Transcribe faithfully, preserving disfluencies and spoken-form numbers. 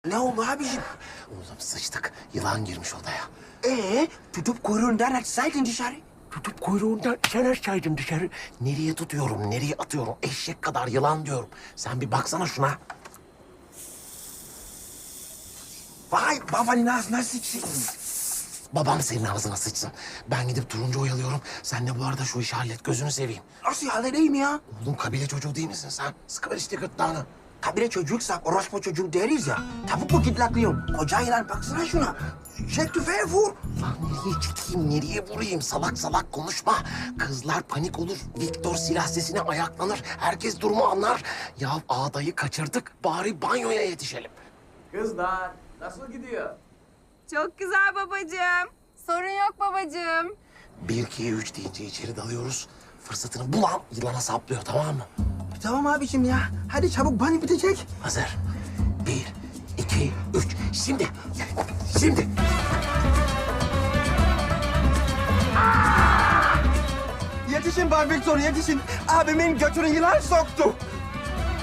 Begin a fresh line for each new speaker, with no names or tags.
Ne oldu abiciğim?
Oğlum sıçtık. Yılan girmiş odaya.
Ee, tutup kuyruğundan atsaydın dışarı.
Tutup kuyruğundan sen açsaydın dışarı. Nereye tutuyorum, nereye atıyorum? Eşek kadar yılan diyorum. Sen bir baksana şuna.
Vay babanın ağzına sıçsın.
Babam senin ağzına sıçsın. Ben gidip turuncu oyalıyorum. Sen de bu arada şu işi hallet, gözünü seveyim.
Nasıl halledeyim ya?
Oğlum kabile çocuğu değil misin sen? Sıkıver işte gırtlağını.
Kabile çocuksak orospu çocuğu deriz ya. Tavuk mu gidlaklıyorum? Koca yılan baksana şuna. Çek tüfeği vur.
Lan nereye çekeyim, nereye vurayım? Salak salak konuşma. Kızlar panik olur. Viktor silah sesine ayaklanır. Herkes durumu anlar. Ya ağdayı kaçırdık. Bari banyoya yetişelim.
Kızlar nasıl gidiyor?
Çok güzel babacığım. Sorun yok babacığım.
Bir, iki, üç deyince içeri dalıyoruz. Fırsatını bulan yılana saplıyor, tamam mı?
Tamam abiciğim ya. Hadi çabuk banyo bitecek.
Hazır. Bir, iki, üç. Şimdi. Şimdi.
Yetişin Bay Victor yetişin. Abimin götünü yılan soktu.